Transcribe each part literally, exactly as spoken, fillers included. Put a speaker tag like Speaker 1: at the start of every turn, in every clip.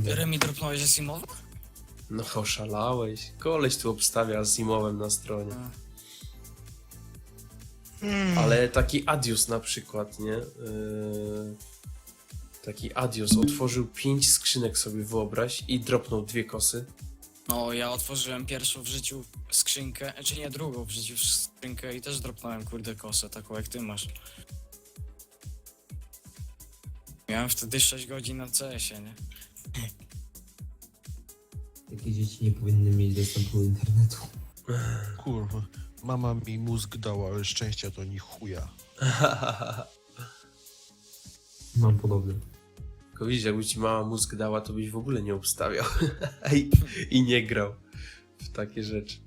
Speaker 1: Nie.
Speaker 2: Remi dropnąłeś Asimowa?
Speaker 3: No oszalałeś. Koleś tu obstawia z Zimowem na stronie.
Speaker 2: Hmm.
Speaker 3: Ale taki Adios na przykład, nie? Yy... Taki Adios otworzył pięć skrzynek sobie, wyobraź, i dropnął dwie kosy.
Speaker 2: No, ja otworzyłem pierwszą w życiu skrzynkę, czy nie, drugą w życiu skrzynkę i też dropnąłem, kurde, kosę, taką jak ty masz. Miałem wtedy sześć godzin na C S ie, nie?
Speaker 1: Takie dzieci nie powinny mieć dostępu do internetu.
Speaker 4: Kurwa, mama mi mózg dała, ale szczęścia to ni chuja.
Speaker 1: Mam podobne.
Speaker 3: Tylko widzisz, jakby ci mała mózg dała, to byś w ogóle nie obstawiał. I, I nie grał w takie rzeczy.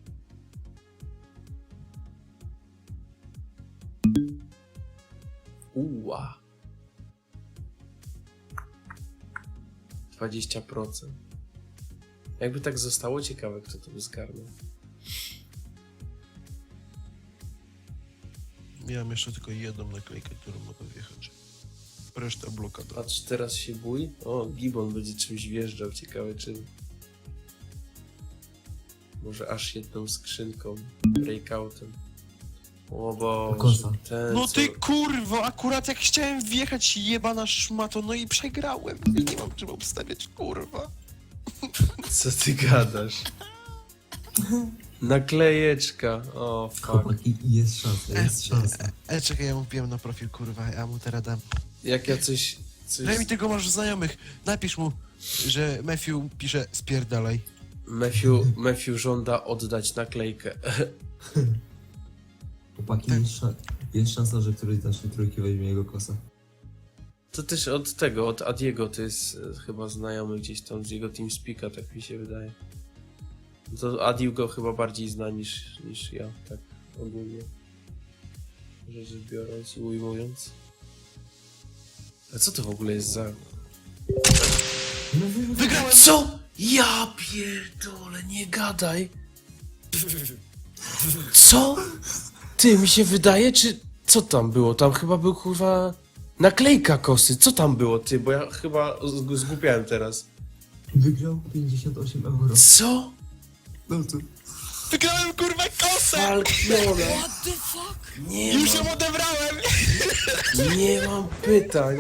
Speaker 3: Uła. dwadzieścia procent. Jakby tak zostało, ciekawe, kto to by zgarnął.
Speaker 4: Miałem jeszcze tylko jedną naklejkę, którą mogę wjechać. Reszta blokada.
Speaker 3: Patrz, teraz się bój. O, Gibbon będzie czymś wjeżdżał, ciekawe czym. Może aż jedną skrzynką, breakoutem. O Boże,
Speaker 1: Kosa.
Speaker 3: ten
Speaker 4: No
Speaker 3: co...
Speaker 4: ty kurwo, akurat jak chciałem wjechać jebana szmato, no i przegrałem. Nie mam czym obstawiać, kurwa.
Speaker 3: Co ty gadasz? Naklejeczka. O, fuck.
Speaker 1: Chłopaki, jest szansa, jest szansa.
Speaker 4: Ale czekaj, ja mu wbiłem na profil, kurwa, ja mu teraz dam.
Speaker 3: Jak ja coś... coś...
Speaker 4: Daj mi tego masz w znajomych. Napisz mu, że Matthew pisze spierdalaj.
Speaker 3: Matthew, Matthew żąda oddać naklejkę.
Speaker 1: Chłopaki, jest, szan jest szansa, że któryś z naszej trójki weźmie jego kosa.
Speaker 3: To też od tego, od Adiego, to jest e, chyba znajomy gdzieś tam z jego TeamSpeaka, tak mi się wydaje. To Adi go chyba bardziej zna niż, niż ja, tak ogólnie. Rzecz biorąc i ujmując. A co to w ogóle jest za...
Speaker 4: Wygrałem!
Speaker 3: Co? Ja pierdolę, nie gadaj! Co? Ty, mi się wydaje, czy... Co tam było? Tam chyba był, kurwa... Naklejka kosy, co tam było, ty? Bo ja chyba zg- zgłupiałem teraz.
Speaker 1: Wygrał pięćdziesiąt osiem euro.
Speaker 3: Co?
Speaker 1: No to...
Speaker 4: Wygrałem, kurwa, kosę!
Speaker 3: Falkiona.
Speaker 2: What the fuck?
Speaker 3: Nie
Speaker 4: Już ją
Speaker 3: mam,
Speaker 4: odebrałem!
Speaker 3: nie mam pytań.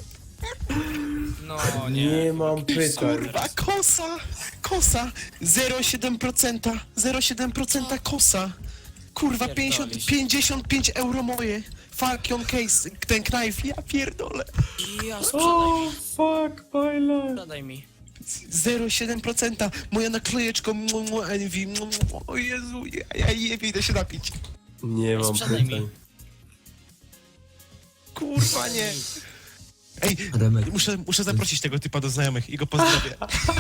Speaker 2: No,
Speaker 3: Nie
Speaker 2: nie.
Speaker 3: mam pytań.
Speaker 4: Kurwa, kosa! Kosa! zero przecinek siedem procent! zero przecinek siedem procent kosa! Kurwa, pięćdziesiąt,
Speaker 2: Pierdolisz.
Speaker 4: pięćdziesiąt pięć euro moje! Falcon case, ten knife, ja pierdolę!
Speaker 2: Ja sprzedaj
Speaker 3: O,
Speaker 2: mi,
Speaker 3: fuck my life.
Speaker 2: sprzedaj mi.
Speaker 4: zero przecinek siedem procent moja naklejeczka, mu, mu, Envy, mu, mu, o Jezu, ja, ja nie idę się napić.
Speaker 3: Nie mam
Speaker 2: Sprzedaj mi.
Speaker 3: pytań.
Speaker 4: Kurwa, nie! Ej,
Speaker 1: Remek,
Speaker 4: muszę, muszę zaprosić tego typa do znajomych i go pozdrowię.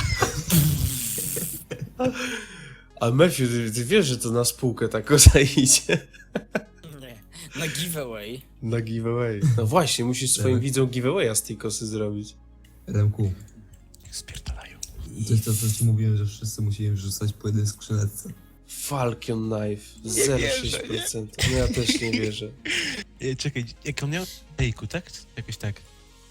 Speaker 3: A Matthew, ty, ty wiesz, że to na spółkę tak kosa idzie?
Speaker 2: Nie. Na giveaway.
Speaker 3: Na giveaway. No właśnie, musisz swoim
Speaker 1: Tak.
Speaker 3: widzom giveawaya z tej kosy zrobić.
Speaker 1: Remku,
Speaker 4: Spierdalają.
Speaker 1: to jest to, co ci mówiłem, że wszyscy musimy wrzucać po jednej skrzyneczce.
Speaker 3: Falcon Knife, zero przecinek sześć procent. No ja też nie wierzę.
Speaker 4: E, czekaj, jak on miał? Ejku, tak? Jakoś tak.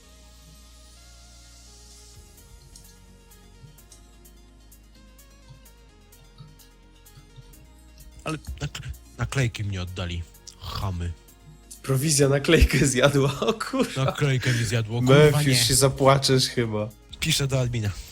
Speaker 4: Ale nakle naklejki mnie oddali. Chamy.
Speaker 3: Prowizja naklejkę zjadła, o kurwa.
Speaker 4: Naklejkę mi zjadło, kurwa
Speaker 3: Matthew,
Speaker 4: nie.
Speaker 3: się zapłaczesz chyba.
Speaker 4: Piszę do admina.